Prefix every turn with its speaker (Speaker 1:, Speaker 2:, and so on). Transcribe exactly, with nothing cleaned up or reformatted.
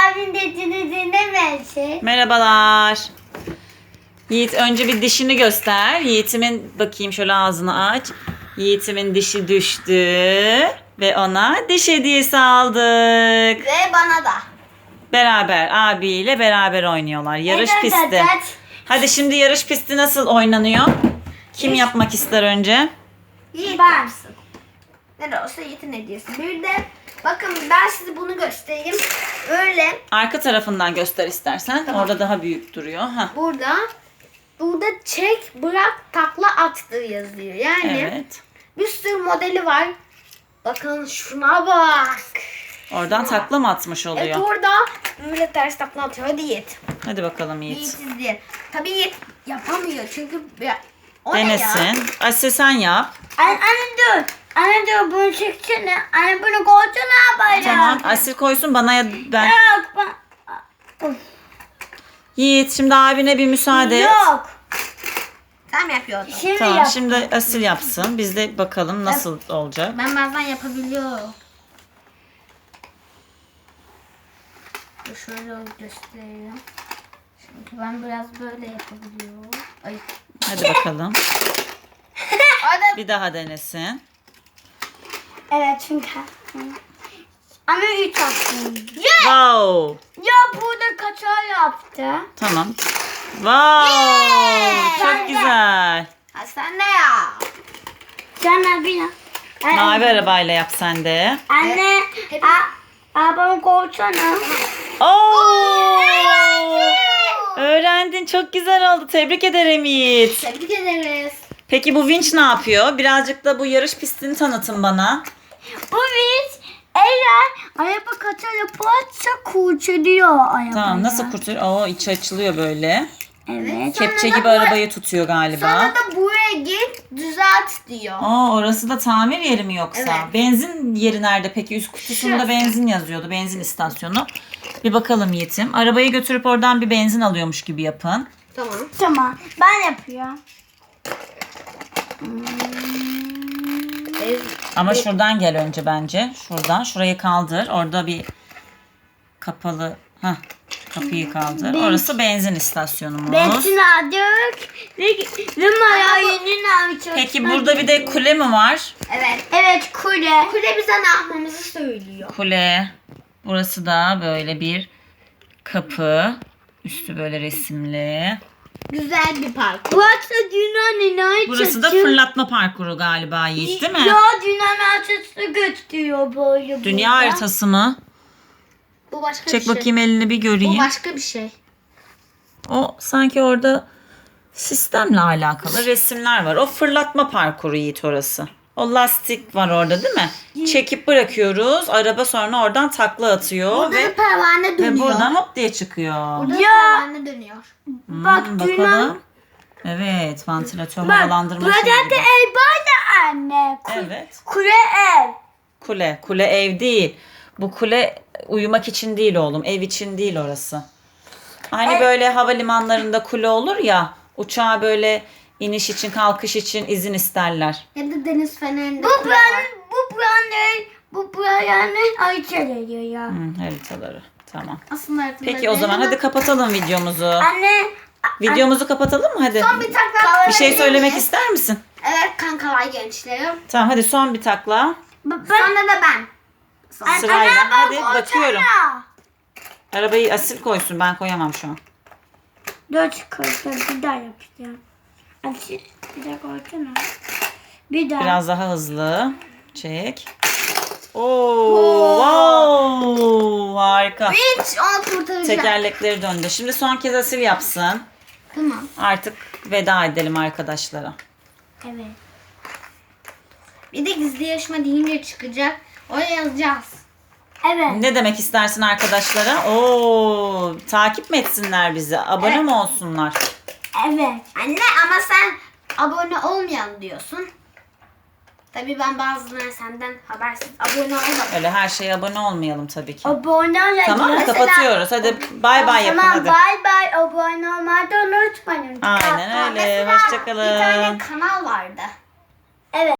Speaker 1: abinin dediğini dinlemesin.
Speaker 2: Merhabalar. Yiğit önce bir dişini göster. Yiğitimin bakayım şöyle ağzını aç. Yiğitimin dişi düştü ve ona diş hediyesi aldık.
Speaker 1: Ve bana da.
Speaker 2: Beraber abiyle beraber oynuyorlar. Yarış
Speaker 1: Evet,
Speaker 2: pisti.
Speaker 1: evet.
Speaker 2: Hadi şimdi yarış pisti nasıl oynanıyor? Kim
Speaker 1: Yiğit.
Speaker 2: yapmak ister önce?
Speaker 1: Yiğit yapsın. Ne olsa Yiğit'in hediyesi. Bir de bakın ben size bunu göstereyim. Öyle
Speaker 2: Arka tarafından göster istersen.
Speaker 1: Tamam.
Speaker 2: Orada daha büyük duruyor. Hah.
Speaker 1: burada burada çek, bırak, takla, attı yazıyor. Yani
Speaker 2: Evet.
Speaker 1: bir sürü modeli var. Bakın şuna bak.
Speaker 2: Oradan takla mı atmış
Speaker 1: Evet
Speaker 2: oluyor?
Speaker 1: orada böyle ters takla atıyor. Hadi Yiğit.
Speaker 2: Hadi bakalım
Speaker 1: Yiğit
Speaker 2: Yiğit.
Speaker 1: izleyin. Tabii Yiğit yapamıyor çünkü ya, o ne ya?
Speaker 2: Denesin. Asya sen yap.
Speaker 1: Anne, anne dur. Anne dur bunu çeksene. Anne bunu koysana böyle.
Speaker 2: Tamam. Asil koysun bana ya ben.
Speaker 1: Yok ben.
Speaker 2: Yiğit şimdi abine bir müsaade et.
Speaker 1: Yok. Tam yapıyordum. Şimdi
Speaker 2: Tamam
Speaker 1: yap.
Speaker 2: şimdi Asil yapsın. Biz de bakalım nasıl olacak.
Speaker 1: Ben bazen yapabiliyorum. Dur şöyle göstereyim. Çünkü ben biraz böyle yapabiliyorum. Ay.
Speaker 2: Hadi bakalım.
Speaker 1: Hadi.
Speaker 2: Bir daha denesin.
Speaker 1: Evet çünkü. Ama üç yaptım. Ya,
Speaker 2: Wow.
Speaker 1: ya burada kaçar yaptı.
Speaker 2: Tamam. Wow.
Speaker 1: Yeah.
Speaker 2: Çok
Speaker 1: Ben de.
Speaker 2: güzel.
Speaker 1: Ha sen ne ya? Sen abi ya.
Speaker 2: Mavi arabayla yap sen de.
Speaker 1: Anne. A, abamı koysana.
Speaker 2: Oo. Öğrendin. Çok güzel oldu. Tebrik ederim Yiğit.
Speaker 1: Tebrik ederiz.
Speaker 2: Peki bu vinç ne yapıyor? Birazcık da bu yarış pistini tanıtın bana.
Speaker 1: Bu biz eğer araba kaçar yaparsa kurtarıyor arabayı.
Speaker 2: Tamam nasıl kurtarıyor? Oo içi açılıyor böyle.
Speaker 1: Evet.
Speaker 2: Kepçe
Speaker 1: Sonra da
Speaker 2: gibi
Speaker 1: bu-
Speaker 2: arabayı tutuyor galiba.
Speaker 1: Sonra da buraya git düzelt diyor.
Speaker 2: Aa orası da tamir yeri mi yoksa?
Speaker 1: Evet.
Speaker 2: Benzin yeri nerede peki? Üst kutusunda
Speaker 1: Şurası.
Speaker 2: benzin yazıyordu. Benzin istasyonu. Bir bakalım Yiğit'im. Arabayı götürüp oradan bir benzin alıyormuş gibi yapın.
Speaker 1: Tamam. Tamam. Ben yapıyorum. Hmm.
Speaker 2: Ama şuradan gel önce bence. Şuradan. Şurayı kaldır. Orada bir kapalı. Hah. Kapıyı kaldır. Orası benzin istasyonumuz.
Speaker 1: Benzin aldık ve numarayı alacağız.
Speaker 2: Peki burada bir de kule mi var?
Speaker 1: Evet. Evet kule. Kule bize ne yapmamızı söylüyor.
Speaker 2: Kule. Burası da böyle bir kapı. Üstü böyle resimli.
Speaker 1: Güzel bir park. Burası dünyanın ne
Speaker 2: Burası da fırlatma parkuru galiba Yiğit değil mi?
Speaker 1: Ya dünyanın açısı gösteriyor böyle.
Speaker 2: Dünya
Speaker 1: burada.
Speaker 2: haritası mı?
Speaker 1: Bu başka
Speaker 2: Çek
Speaker 1: bir şey.
Speaker 2: bakayım elini bir
Speaker 1: Bu
Speaker 2: göreyim.
Speaker 1: başka bir şey.
Speaker 2: O sanki orada sistemle alakalı resimler var. O fırlatma parkuru Yiğit orası. O lastik var orada değil mi? Çekip bırakıyoruz. Araba sonra oradan takla atıyor
Speaker 1: Burada
Speaker 2: ve,
Speaker 1: da pervane dönüyor.
Speaker 2: ve buradan hop diye çıkıyor.
Speaker 1: Burada da pervane dönüyor.
Speaker 2: Hmm,
Speaker 1: Bak dünya.
Speaker 2: bakalım. Evet, vantilatör
Speaker 1: Bak
Speaker 2: havalandırma
Speaker 1: burada
Speaker 2: şeyi
Speaker 1: da
Speaker 2: gibi.
Speaker 1: ev böyle anne. Ku-
Speaker 2: Evet.
Speaker 1: Kule ev.
Speaker 2: Kule. Kule ev değil. Bu kule uyumak için değil oğlum. Ev için değil orası. Hani
Speaker 1: Evet.
Speaker 2: böyle havalimanlarında kule olur ya. Uçağa böyle iniş için kalkış için izin isterler.
Speaker 1: Ya da deniz fenerinde bu kule var. Bu buranın bu buranın ayçel ediyor ya.
Speaker 2: Hmm, haritaları. Tamam.
Speaker 1: Aslında haritada
Speaker 2: Peki o zaman hadi kapatalım videomuzu.
Speaker 1: Anne.
Speaker 2: Videomuzu kapatalım mı hadi?
Speaker 1: Son bir takla.
Speaker 2: Bir şey söylemek ister misin?
Speaker 1: Evet kankalar gençlerim.
Speaker 2: Tamam hadi son bir takla.
Speaker 1: Ben, Sonra da ben. Sonra.
Speaker 2: Sırayla.
Speaker 1: Anne, bak,
Speaker 2: Hadi
Speaker 1: koysana.
Speaker 2: bakıyorum. Arabayı Asil koysun. Ben koyamam şu an.
Speaker 1: Dört koysana bir daha yapacağım. Hadi bir daha koysana. Bir daha.
Speaker 2: Biraz daha hızlı. Çek. Oo, wow, harika.
Speaker 1: Hiç onu kurtaracağım.
Speaker 2: Tekerlekleri döndü. Şimdi son kez Asil yapsın.
Speaker 1: Tamam.
Speaker 2: Artık veda edelim arkadaşlara.
Speaker 1: Evet. Bir de gizli yarışma deyince çıkacak. Oraya yazacağız. Evet.
Speaker 2: Ne demek istersin arkadaşlara? Oo, takip mi etsinler bizi? Abone
Speaker 1: Evet.
Speaker 2: mi olsunlar?
Speaker 1: Evet. Anne ama sen abone olmayan diyorsun. Tabii ben bazıları senden habersiz abone olmadım.
Speaker 2: Öyle her şeye abone olmayalım tabii ki.
Speaker 1: Abone olmayan.
Speaker 2: Tamam mı? Kapatıyoruz. Hadi bay bay yapın hadi.
Speaker 1: Bay bay abone olmayı da unutmayın.
Speaker 2: Aynen öyle.
Speaker 1: Mesela
Speaker 2: Hoşçakalın.
Speaker 1: bir tane kanal vardı. Evet.